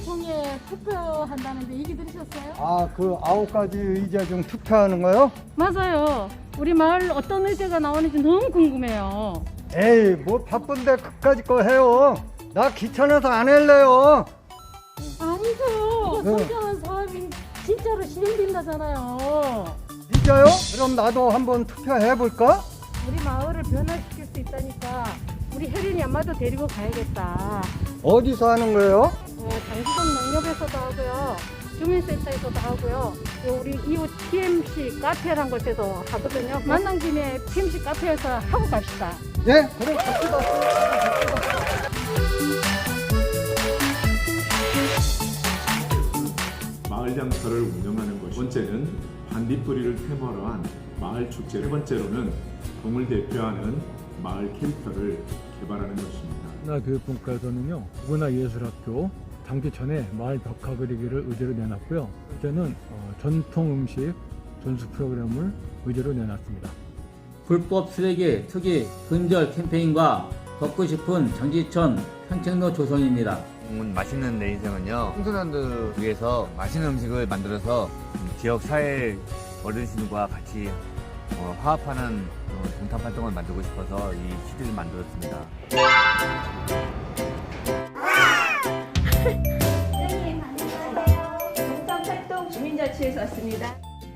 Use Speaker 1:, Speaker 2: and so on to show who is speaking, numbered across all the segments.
Speaker 1: 주민총회 투표한다는데 얘기 들으셨어요?
Speaker 2: 아, 그 9가지 의제 중 투표하는 거요?
Speaker 1: 맞아요. 우리 마을 어떤 의제가 나오는지 너무 궁금해요.
Speaker 2: 에이, 뭐 바쁜데 그까짓 거 해요. 나 귀찮아서 안 할래요.
Speaker 1: 아니죠.
Speaker 2: 네.
Speaker 1: 성장한 사업이 진짜로 실행된다잖아요.
Speaker 2: 진짜요? 그럼 나도 한번 투표해볼까?
Speaker 1: 우리 마을을 변화시킬 수 있다니까 우리 혜린이 엄마도 데리고 가야겠다.
Speaker 2: 어디서 하는 거예요?
Speaker 1: 장기동 농협에서도 하고요. 주민센터에서도 하고요. 우리 이웃 PMC 카페라는 곳에도 하거든요. 만난 김에 PMC 카페에서 하고 갑시다.
Speaker 2: 네? 그럼 갑시다.
Speaker 3: 마을 장터를 운영하는 것. 두 번째는 반딧불이를 테마로 한 마을 축제. 세 번째로는 동을 대표하는 마을 캐릭터를 개발하는 것입니다.
Speaker 4: 문화교육분과에서는요, 문화예술학교 당기 전에 마을 벽화 그리기를 의제로 내놨고요. 이제는 전통 음식 전수 프로그램을 의제로 내놨습니다.
Speaker 5: 불법 쓰레기 투기 근절 캠페인과 걷고 싶은 정지천 산책로 조성입니다.
Speaker 6: 맛있는 내 인생은요, 청소년들 위해서 맛있는 음식을 만들어서 지역 사회 어르신과 같이 화합하는 동탄 활동을 만들고 싶어서 이 CD를 만들었습니다.
Speaker 7: 선생님 안녕하세요. 동탄팔동 주민자치에서 왔습니다.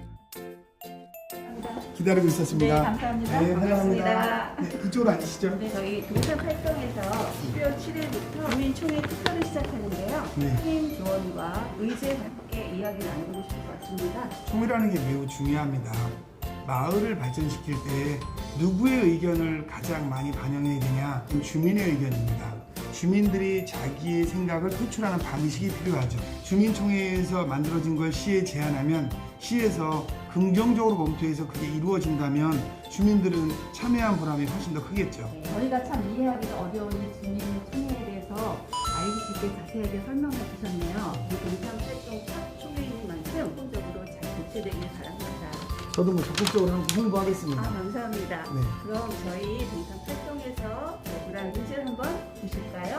Speaker 8: 기다리고 있었습니다.
Speaker 7: 네, 감사합니다.
Speaker 8: 네,
Speaker 7: 반갑습니다.
Speaker 8: 환영합니다. 네, 이쪽으로 앉으시죠.
Speaker 7: 네, 저희 동탄팔동에서 12월 7일부터 주민총회 투표를 시작하는데요.
Speaker 8: 네.
Speaker 7: 선생님 조언과 의제와 함께 이야기를 나누고 싶을 것 같습니다.
Speaker 8: 총회라는 게 매우 중요합니다. 마을을 발전시킬 때 누구의 의견을 가장 많이 반영해야 되냐? 주민의 의견입니다. 주민들이 자기의 생각을 표출하는 방식이 필요하죠. 주민총회에서 만들어진 걸 시에 제안하면 시에서 긍정적으로 검토해서 그게 이루어진다면 주민들은 참여한 보람이 훨씬 더 크겠죠.
Speaker 7: 저희가 참 이해하기가 어려운 이 주민총회에 대해서 알기 쉽게 자세하게 설명해 주셨네요. 이 동탄팔동 첫 총회인 만큼 본적으로 잘 개최되길 바랍니다.
Speaker 8: 저도 뭐 적극적으로 홍보하겠습니다.
Speaker 7: 감사합니다.
Speaker 8: 네.
Speaker 7: 그럼 저희 동탄팔동에서 제출한 의제를 한번 보실까요?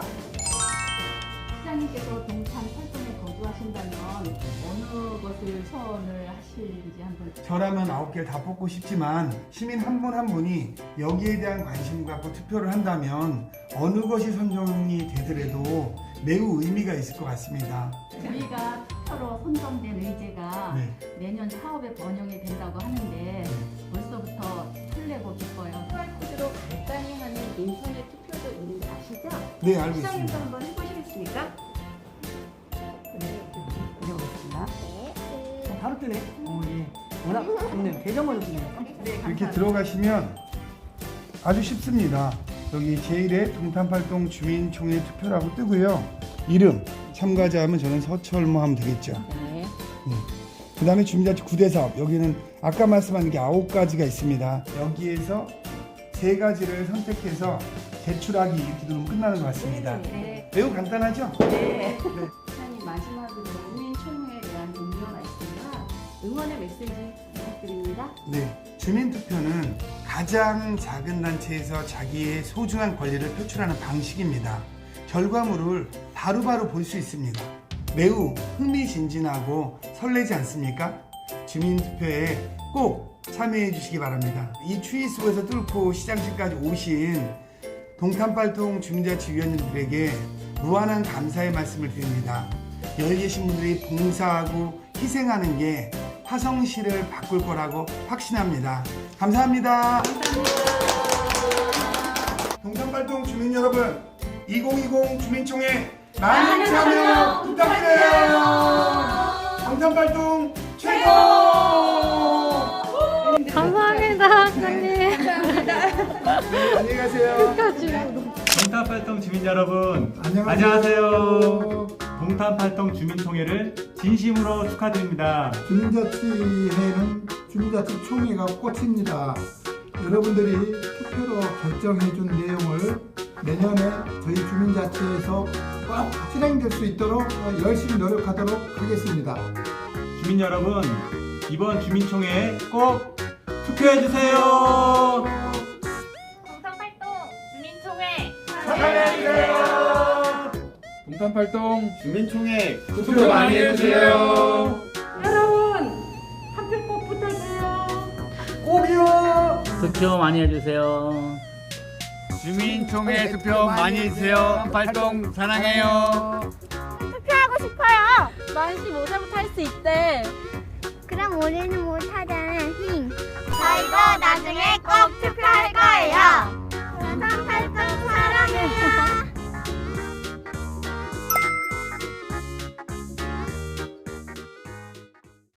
Speaker 7: 시장님께서 동탄팔동에 거주하신다면 어느 것을 선을 하실지 한번.
Speaker 8: 저라면 9개를 다 뽑고 싶지만 시민 한 분 한 분이 여기에 대한 관심 갖고 투표를 한다면 어느 것이 선정이 되더라도 매우 의미가 있을 것 같습니다.
Speaker 9: 저희가 투표로 선정된 의제가
Speaker 8: 네.
Speaker 9: 내년 사업에 번영이 된다고 하는데 벌써부터 설레고 기뻐요.
Speaker 7: QR코드로 간단히 하는 인터넷 투표도 있는지 아시죠?
Speaker 8: 네, 알고
Speaker 7: 시장님도
Speaker 8: 있습니다.
Speaker 7: 한번 해보시겠습니까?
Speaker 10: 해보겠습니다. 바로 뜨네. 예. 워낙 좋네요. 계정을 넣네요.
Speaker 8: 이렇게 들어가시면 아주 쉽습니다. 여기 제1회 동탄팔동 주민총회 투표라고 뜨고요. 이름, 참가자 하면 저는 서철모 하면 되겠죠.
Speaker 1: 네.
Speaker 8: 그 다음에 주민자치 9대 사업. 여기는 아까 말씀한 게 9가지가 있습니다. 여기에서 3가지를 선택해서 제출하기 이렇게 누르면 끝나는 것 같습니다.
Speaker 7: 네.
Speaker 8: 매우 간단하죠?
Speaker 7: 네. 시장님 마지막으로 주민총회에 대한 동료 말씀과 응원의 메시지 부탁드립니다.
Speaker 8: 네, 주민투표는 가장 작은 단체에서 자기의 소중한 권리를 표출하는 방식입니다. 결과물을 바로바로 볼 수 있습니다. 매우 흥미진진하고 설레지 않습니까? 주민투표에 꼭 참여해 주시기 바랍니다. 이 추위 속에서 뚫고 시장실까지 오신 동탄팔동 주민자치위원님들에게 무한한 감사의 말씀을 드립니다. 여기 계신 분들이 봉사하고 희생하는 게 화성시를 바꿀 거라고 확신합니다. 감사합니다. 동탄팔동 주민 여러분, 2020 주민총회 많은 참여 부탁드려요. 동탄팔동 최고!
Speaker 1: 감사합니다, 사장님.
Speaker 8: 네, 안녕히 가세요.
Speaker 11: 동탄팔동 주민 여러분,
Speaker 8: 안녕하세요.
Speaker 11: 동탄팔동 주민총회를 진심으로 축하드립니다.
Speaker 12: 주민자치회는 주민자치 총회가 꽃입니다. 여러분들이 투표로 결정해준 내용을 내년에 저희 주민자치회에서 꼭 실행될 수 있도록 열심히 노력하도록 하겠습니다.
Speaker 11: 주민 여러분, 이번 주민총회에 꼭 투표해주세요.
Speaker 9: 동탄팔동 주민총회
Speaker 11: 축하드립니다.
Speaker 13: 정탄팔동
Speaker 11: 주민총회
Speaker 13: 투표 많이 해주세요.
Speaker 1: 여러분 한 표 꼭 부탁해요.
Speaker 2: 꼭이요.
Speaker 5: 투표 많이 해주세요.
Speaker 6: 주민총회 투표 많이 해주세요. 팔동 사랑해요.
Speaker 14: 투표하고 싶어요. 만시 모자부터 할 수 있대. 그럼 우리는 못하잖아. 저희도 나중에 꼭 투표할